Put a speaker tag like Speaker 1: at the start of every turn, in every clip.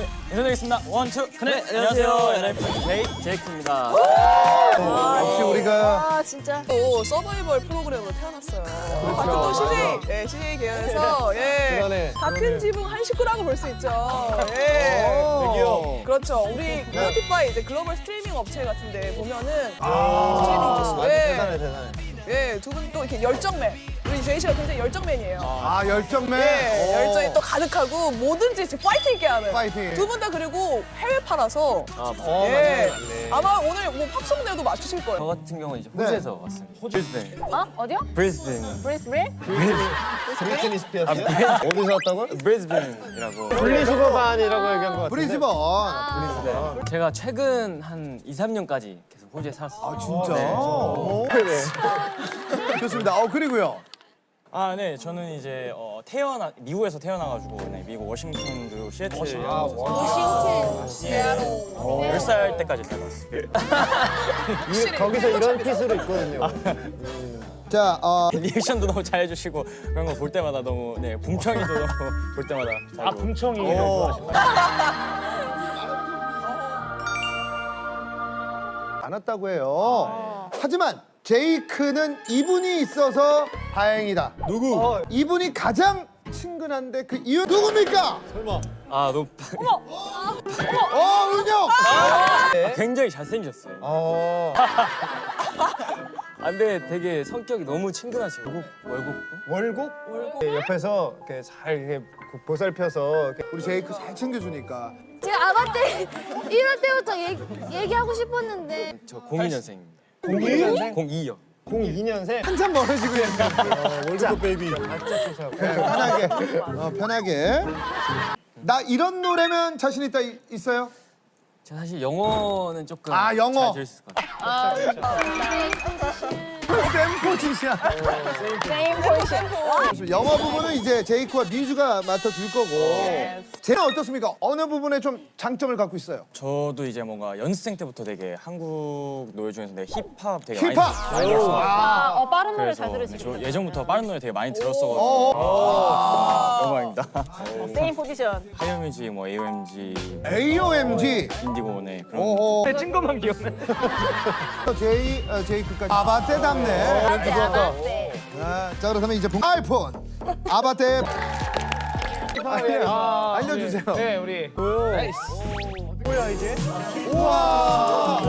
Speaker 1: 인사드리겠습니다. 원, 투, 네, 안녕하세요. NFJ 제이크입니다.
Speaker 2: 역시 우리가
Speaker 3: 아 진짜 또 서바이벌 프로그램으로 태어났어요. 같은 또 CJ, 예, CJ 계열에서 예, 같은 지붕 한 식구라고 볼 수 있죠. 예. 그렇죠. 우리 스포티파이 이제 글로벌 스트리밍 업체 같은데 보면은 스트리밍 지수,
Speaker 2: 대단해.
Speaker 3: 예, 두 분 또 이렇게 열정맨. 우리 제이 씨가 굉장히 열정맨이에요.
Speaker 2: 아 열정맨.
Speaker 3: 예, 열정이 또 가득하고 뭐든지 진짜 파이팅 있게 하는.
Speaker 2: 파이팅.
Speaker 3: 두 분 다 그리고 해외파라서 예, 아마 오늘 뭐 팝송대도 맞추실 거예요.
Speaker 1: 저 같은 경우는 이제 호주에서 왔습니다. 브리스벤.
Speaker 4: 어디요?
Speaker 1: 브리스벤.
Speaker 4: 브리스빌?
Speaker 5: 브리트니 스피어스요? 어디서 왔다고요?
Speaker 1: 브리스벤이라고.
Speaker 5: 분리수거반이라고 얘기한 것 같은데.
Speaker 2: 브리즈번.
Speaker 1: 제가 최근 한 2, 3년까지 계속 호주에 살았어요.
Speaker 2: 아 진짜. 네. 좋습니다. 그리고요.
Speaker 1: 아, 네. 저는 이제 미국에서 태어나가지고 네, 미국 워싱턴 그리고 시애틀.
Speaker 4: 워싱턴, 시애틀.
Speaker 1: 10살 때까지 살았어요.
Speaker 5: 거기서 이런 핏으로 있거든요.
Speaker 2: 자,
Speaker 1: 리액션도 너무 잘해주시고 그런 거 볼 때마다 너무 네 붕청이도 너무 볼 때마다 잘 보고.
Speaker 5: 붕청이 좋아하시나요?
Speaker 2: 안 왔다고 해요. 하지만 제이크는 이분이 있어서 다행이다. 누구? 이분이 가장 친근한데 그 이유 누굽니까?
Speaker 1: 아, 너무
Speaker 2: 은혁.
Speaker 1: 굉장히 잘생겼어요. 근데 되게 성격이 너무 친근하시고 월급?
Speaker 5: 월곡? 네, 옆에서 이렇게 잘 이렇게 보살펴서 이렇게
Speaker 2: 우리 제이크 잘 챙겨주니까.
Speaker 4: 제가 아가 때 이럴 때부터 얘기하고 싶었는데
Speaker 1: 저 02년생입니다.
Speaker 5: 02년생?
Speaker 1: 02요.
Speaker 5: 02년생?
Speaker 2: 한참 멀어지고 있는데.
Speaker 5: 월드컵 베이비.
Speaker 2: 편하게. 편하게. 나 이런 노래면 자신 있다 있어요?
Speaker 1: 제가 사실 영어는 조금
Speaker 2: 영어.
Speaker 1: 잘 들을 수 있을 것 같아요.
Speaker 2: 샘 포지션.
Speaker 4: 세임 포지션.
Speaker 2: 영어 부분은 이제 제이크와 미주가 맡아줄 거고. 쟤는 어떻습니까? 어느 부분에 좀 장점을 갖고 있어요?
Speaker 1: 저도 이제 뭔가 연습생 때부터 되게 한국 노래 중에서 되게 힙합 되게
Speaker 2: 힙합!
Speaker 1: 많이 들었어요.
Speaker 4: 빠른 노래
Speaker 1: 그래서
Speaker 4: 잘
Speaker 1: 네,
Speaker 4: 들으시고.
Speaker 1: 저 예전부터 빠른 노래 되게 많이 들었어가지고 영광입니다.
Speaker 4: 세임 포지션.
Speaker 1: 하이어뮤직, 뭐 AOMG,
Speaker 2: AOMG.
Speaker 1: 인디고네 그런.
Speaker 2: 오호.
Speaker 1: 찐 것만 기억나.
Speaker 2: 제이크까지. 아바떼 답네.
Speaker 4: 아바떼.
Speaker 2: 자, 그렇다면 이제 아이폰. 아바떼. 알려주세요.
Speaker 5: 네, 우리. 뭐야 이게?
Speaker 2: 우와.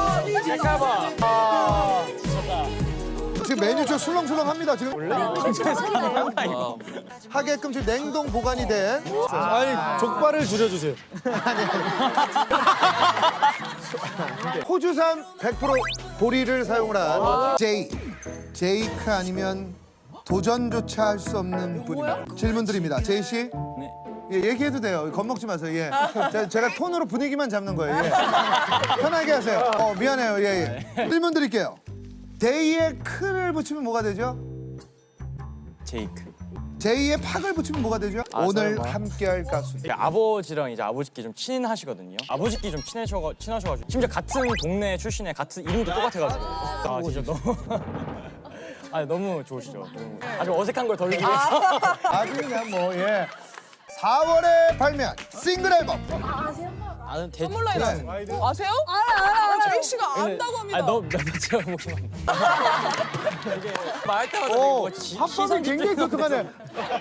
Speaker 2: 지금 메뉴 좀 술렁술렁합니다. 지금 하게끔 지금 냉동 보관이 된.
Speaker 5: 아니, 족발을 줄여주세요.
Speaker 2: 호주산 100% 보리를 사용을 한 제이크 아니면 도전조차 할 수 없는 분입니다. 질문 드립니다. 제이 씨.
Speaker 1: 네.
Speaker 2: 예, 얘기해도 돼요. 겁먹지 마세요. 예. 제가 톤으로 분위기만 잡는 거예요. 예. 편하게 하세요. 미안해요. 예. 질문 드릴게요. 데이에 크를 붙이면 뭐가 되죠?
Speaker 1: 제이크.
Speaker 2: 제이에 팍을 붙이면 뭐가 되죠? 오늘
Speaker 1: 설마.
Speaker 2: 함께할 가수.
Speaker 1: 아버지랑 이제 아버지끼리 좀 친하시거든요. 아버지끼리 좀 친하셔가지고 심지어 같은 동네 출신에 같은 이름도 똑같아가지고. 아 진짜 너무. 너무 좋으시죠. 너무. 아주 어색한 걸 덜기 위해서.
Speaker 2: 아주 그냥 뭐 예. 4월에 발매한 싱글 앨범.
Speaker 1: 아는
Speaker 3: 선물 라인 아세요?
Speaker 4: 알아.
Speaker 3: 제이 씨가 안다고 합니다.
Speaker 1: 너몇 번째가 보시면. 이게 말할 때마다
Speaker 2: 합법은 굉장히 독특하네.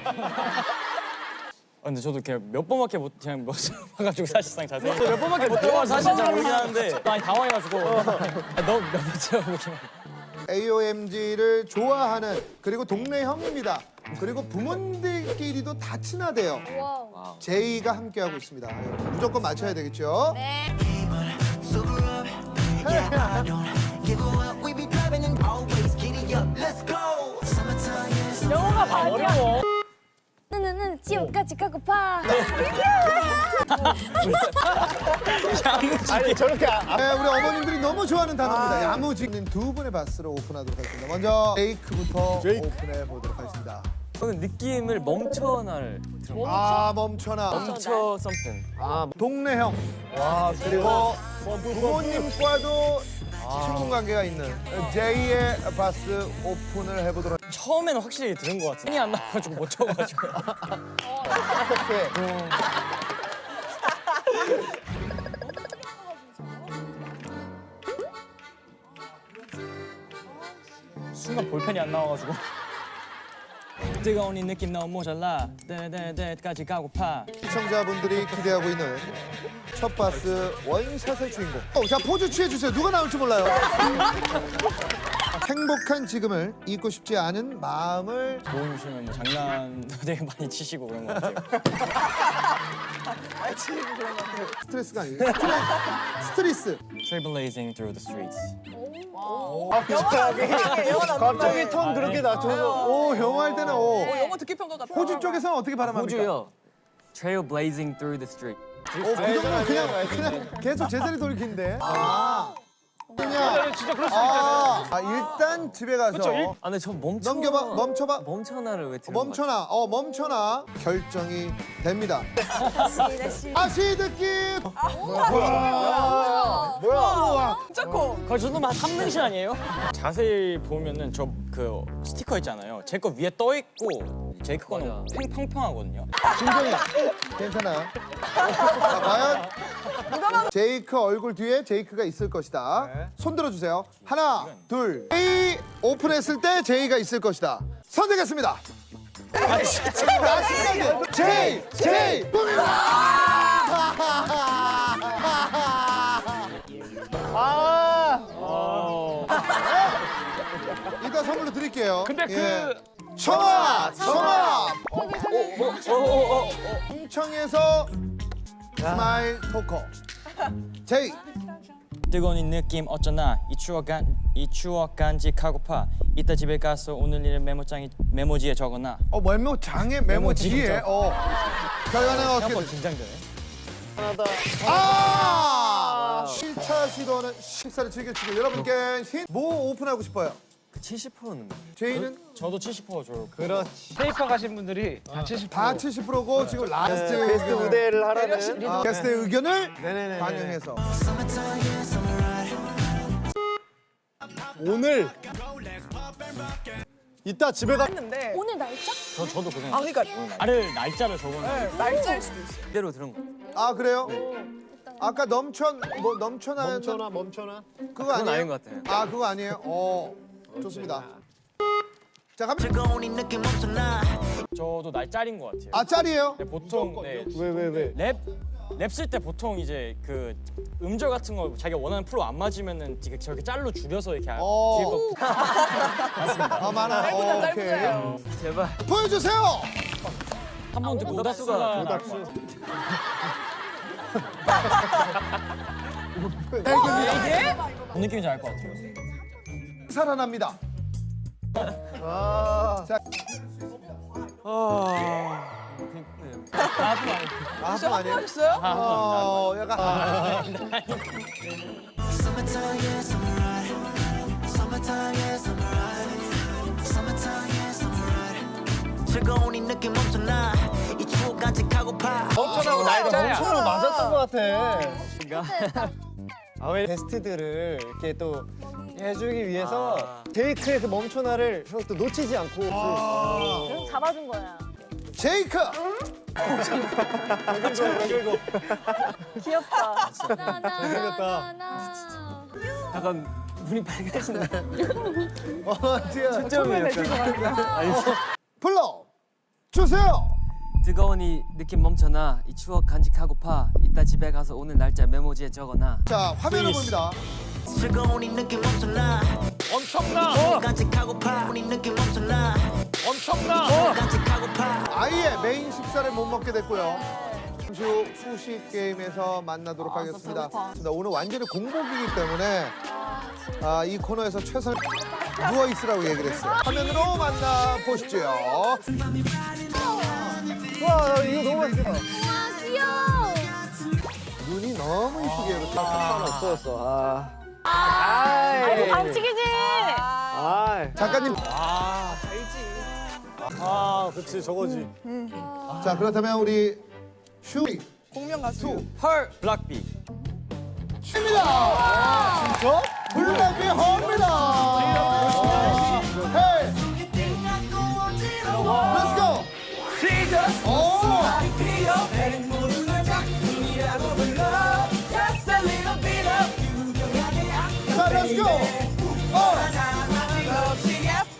Speaker 1: 근데 저도 그냥 몇 번밖에 못 그냥 못 봐가지고 사실상 자세히 몇 번밖에 못 들어봐서 사실 잘 모르긴 하는데 많이 당황해가지고 너몇 번째가 보시면.
Speaker 2: AOMG를 좋아하는 그리고 동네 형입니다. 그리고 부모님들끼리도 다 친하대요.
Speaker 4: 와우.
Speaker 2: 제이가 함께하고 있습니다. 무조건 맞춰야 되겠죠?
Speaker 4: 네.
Speaker 3: 영어가 반이야.
Speaker 4: 나는 지옥까지 가고파.
Speaker 5: 아니, 저렇게
Speaker 2: 네, 우리 어머님들이 너무 좋아하는 단어입니다. 야무지는 두 분의 바스로 오픈하도록 하겠습니다. 먼저 제이크부터 오픈해 보도록 하겠습니다.
Speaker 1: 저는 느낌을 멈춰나를 들은
Speaker 2: 멈춰나.
Speaker 1: 멈춰 썸ething.
Speaker 2: 동네 형. 그리고 부모님과도 친분 관계가 있는 제이의 바스 오픈을 해보도록 하겠습니다.
Speaker 1: 처음에는 확실히 들은 것 같은데 힘이 안 나가지고 못 쳐가지고 순간 볼펜이 안 나와가지고. 뜨거운 이 느낌 너무 모자라. 데데데까지 가고파.
Speaker 2: 시청자분들이 기대하고 있는 첫 바스 원샷의 주인공. 자, 포즈 취해주세요. 누가 나올지 몰라요. 행복한 지금을 잊고 싶지 않은 마음을
Speaker 1: 모이시면 뭐 장난도 되게 많이 치시고 그런 것 같아요.
Speaker 2: 스트레스가 아니에요. 스트레스.
Speaker 1: Trailblazing through the streets.
Speaker 5: 갑자기 톤 그렇게 낮춰서.
Speaker 2: 오, 영어 할 때는 오.
Speaker 3: 영어 듣기 평가 같아.
Speaker 2: 호주 쪽에서는 어떻게 발음합니까?
Speaker 1: Trailblazing through the street.
Speaker 2: 그 정도는 그냥 계속 제자리 돌기인데.
Speaker 5: 진짜 그럴 수 있잖아요.
Speaker 2: 일단 집에 가서
Speaker 6: 아, 근데 저 멈춰.
Speaker 2: 넘겨봐, 멈춰봐.
Speaker 6: 멈춰나를 왜 들은
Speaker 2: 멈춰놔, 멈춰놔. 결정이 됩니다. 다시 듣기.
Speaker 3: 뭐야? 진짜 커.
Speaker 1: 거의 저도 막 3등신 아니에요? 자세히 보면은 저 그 스티커 있잖아요. 제 거 위에 떠 있고 제이크 거는 팽팽하거든요.
Speaker 2: 진정이 괜찮아. 자, 과연 제이크 얼굴 뒤에 제이크가 있을 것이다. 손 들어주세요. 하나, 둘. 제이 오픈했을 때 제이가 있을 것이다. 선택했습니다. 마지막에 제이 이거 선물로 드릴게요. 근데 청아! 홍청에서 스마일 토커 제이.
Speaker 1: 뜨거운 이 느낌 어쩌나 이 추억 간직하고파. 이따 집에 가서 오늘 일을 메모지에 적어놔.
Speaker 2: 메모장에 메모지에 결과는 어떻게
Speaker 1: 생각보다
Speaker 2: 되죠?
Speaker 1: 긴장되네.
Speaker 2: 7차 시도는 식사를 즐겨주고 여러분께 뭐 오픈하고 싶어요?
Speaker 6: 70%는
Speaker 2: 제이는
Speaker 1: 저도 70% 줘요.
Speaker 5: 그렇지. 페이퍼 가신 분들이 다 70%.
Speaker 2: 다 70%고 지금 라스트
Speaker 5: 베스트 무대를 하라는.
Speaker 2: 게스트의 의견을
Speaker 5: 네네네.
Speaker 2: 반영해서
Speaker 5: 오늘 이따 집에 가.
Speaker 3: 했는데.
Speaker 4: 오늘 날짜?
Speaker 1: 저도 고생.
Speaker 3: 아 그러니까
Speaker 1: 날짜를 적어놔.
Speaker 3: 날짜일 수도 있어.
Speaker 6: 그대로 들은 거.
Speaker 2: 그래요? 아까 넘쳐나는
Speaker 5: 멈춰나.
Speaker 2: 그거
Speaker 6: 그건
Speaker 2: 아니에요?
Speaker 6: 아닌 것 같아요.
Speaker 2: 그거 아니에요? 좋습니다. 자, 갑니다.
Speaker 1: 저도 날짜인 것 같아요.
Speaker 2: 짤이에요?
Speaker 1: 네, 보통
Speaker 5: 왜?
Speaker 1: 랩 쓸 때 보통 이제 그 음절 같은 거 자기가 원하는 프로 안 맞으면은 되게 저렇게 짤로 줄여서 이렇게 뒤에 거
Speaker 2: 많아.
Speaker 3: 짧으다
Speaker 2: 오케이.
Speaker 3: 짧으세요.
Speaker 6: 제발.
Speaker 2: 보여주세요.
Speaker 1: 한 번 듣고 오답수가 뭔 느낌인지 알 것 같아요.
Speaker 2: 살아납니다. 자, 하품 아니에요?
Speaker 3: 하셨어요?
Speaker 2: 약간
Speaker 7: 즐거운 이 느낌 엄청나 이 추억 간직하고파
Speaker 5: 멈춰나고 날짜야. 멈춰나 맞았던 것 같아.
Speaker 4: 그때
Speaker 5: 왜 게스트들을 이렇게 또 해주기 위해서 데이트의 그 멈춰나를 형 또 놓치지 않고.
Speaker 4: 그래서 잡아준 거야.
Speaker 2: 제이크.
Speaker 4: 귀엽다. 나나나나나.
Speaker 6: 약간 눈이 밝아진다.
Speaker 5: 초점이
Speaker 2: 불러 주세요.
Speaker 6: 뜨거운 이 느낌 멈춰나 이 추억 간직하고파. 이따 집에 가서 오늘 날짜 메모지에 적어놔.
Speaker 2: 자, 화면을 봅니다.
Speaker 7: 즐거운 이 느낌 엄청나 추억 간직하고파 이 느낌 엄청나 추억 간직하고파
Speaker 2: 아예 메인 식사를 못 먹게 됐고요. 잠시 후 후식 게임에서 만나도록 하겠습니다. 오늘 완전히 공복이기 때문에 이 코너에서 최선을 누워 있으라고 얘기를 했어요. 화면으로 만나 보시죠.
Speaker 5: 와 이거 너무 맛있다.
Speaker 4: 아 귀여워.
Speaker 2: 눈이 너무 이쁘게 이렇게.
Speaker 5: 없어졌어.
Speaker 4: 아이고 반칙이지.
Speaker 2: 작가님.
Speaker 5: 그치 저거지.
Speaker 2: 자, 그렇다면 우리 슈이
Speaker 3: 공명 가수.
Speaker 1: 펄 블락비.
Speaker 2: 입니다. 진짜? 블랙이 헐입니다. 헤이. Let's go. 자, let's go.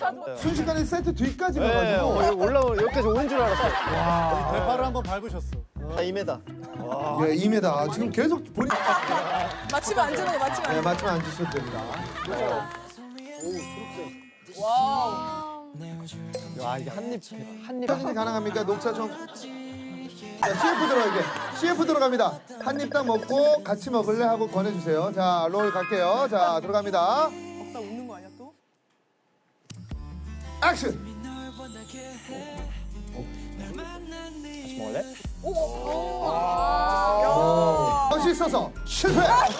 Speaker 2: 순식간에 세트 뒤까지
Speaker 5: 네,
Speaker 2: 가가지고
Speaker 5: 올라오 여기까지 오는 줄 알았어요.
Speaker 8: 대파를 한번 밟으셨어.
Speaker 5: 다 2m.
Speaker 2: 예, 2m. 지금 계속 본인
Speaker 3: 맞추면 안 주는 거 맞추면 안
Speaker 2: 네, 맞추면 안 주셔도 됩니다.
Speaker 5: 야 이게 한입
Speaker 2: 사진이 가능합니까? 녹차청. 자, CF 들어가게. CF 들어갑니다. 한 입 딱 먹고 같이 먹을래 하고 권해주세요. 자, 롤 갈게요. 자, 들어갑니다.
Speaker 3: 먹다 웃는 거 아니야 또?
Speaker 2: 액션.
Speaker 1: 같이 먹을래?
Speaker 2: 멋있어서 실패.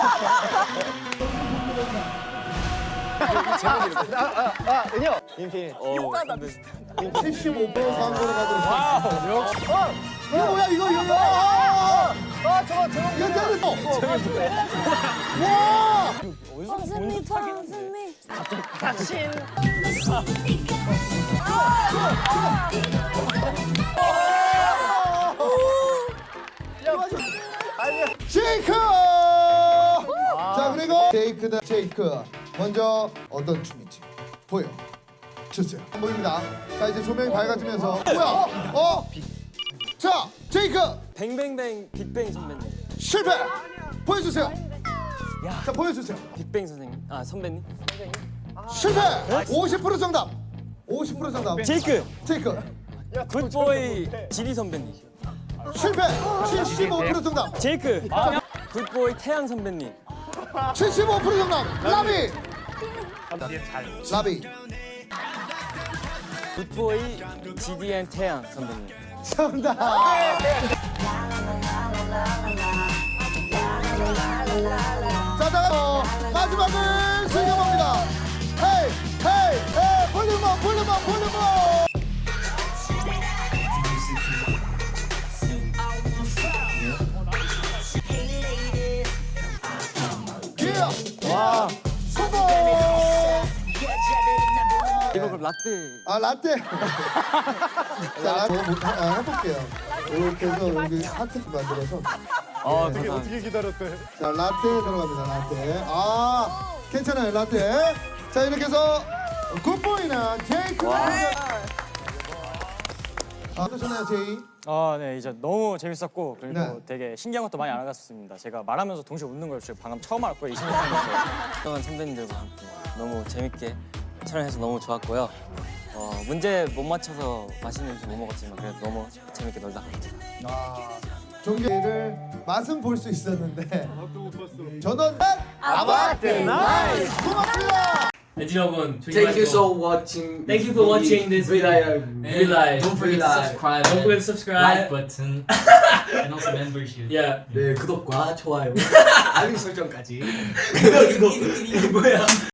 Speaker 5: 은혁 인피니트.
Speaker 3: 비슷하다 비슷하다.
Speaker 2: 75% 광고로 가도록 하겠습니다. 이거 뭐야 이거 이거.
Speaker 5: 저거
Speaker 2: 이거 때려. 와.
Speaker 1: 어디서 본
Speaker 4: 선생님,
Speaker 1: 듯 하긴 한데.
Speaker 4: 선생님.
Speaker 2: 제이크! 자 그리고 제이크다 제이크 먼저 어떤 춤인지 보여 주세요. 보입니다. 자 이제 조명이 밝아지면서 뭐야? 자 제이크
Speaker 6: 뱅뱅뱅 빅뱅 선배님.
Speaker 2: 실패 보여주세요. 자 보여주세요.
Speaker 6: 빅뱅 선생님. 아 선배님.
Speaker 2: 실패 50% 정답. 50% 정답.
Speaker 1: 제이크
Speaker 2: 제이크
Speaker 6: 굿보이 지리 선배님.
Speaker 2: 실패 75% 정답.
Speaker 1: 제이크
Speaker 6: 굿보이 태양 선배님.
Speaker 2: 75% 정답. 라비 라비
Speaker 6: 굿보이 GDN 태양 선배님.
Speaker 2: 정답. 자, 다음 마지막을 즐겨봅니다. 헤이, 헤이, 헤이, 볼륨업, 볼륨업, 볼륨업. 와, 성공.
Speaker 6: 이거 그럼 라떼.
Speaker 2: 아 라떼. 자, 해볼게요. 이렇게 해서 여기 하트 만들어서.
Speaker 8: 어떻게 기다렸대?
Speaker 2: 자 라떼 들어갑니다. 라떼. 아 괜찮아요 라떼. 자 이렇게 해서 굿보이는 제이크. 어떠셨나요 제이?
Speaker 1: 네 이제 너무 재밌었고 그리고
Speaker 2: 네.
Speaker 1: 되게 신기한 것도 많이 알아갔습니다. 제가 말하면서 동시에 웃는 걸 지금 방금 처음 알았고요. 20년 살면서
Speaker 6: 동안 선배님들과 함께 너무 재밌게 촬영해서 너무 좋았고요. 문제 못 맞춰서 맛있는 음식 못 먹었지만 그래도 너무 재밌게 놀다 갑니다.
Speaker 2: 종계를 맛은 볼 수 있었는데 전원 아바테 나이스 고맙습니다.
Speaker 9: Thank you so watching. Thank you for watching this video. Don't forget to subscribe. Don't forget to subscribe. Like button and also membership. Yeah. 네 구독과 좋아요 알림 설정까지. 이거 뭐야?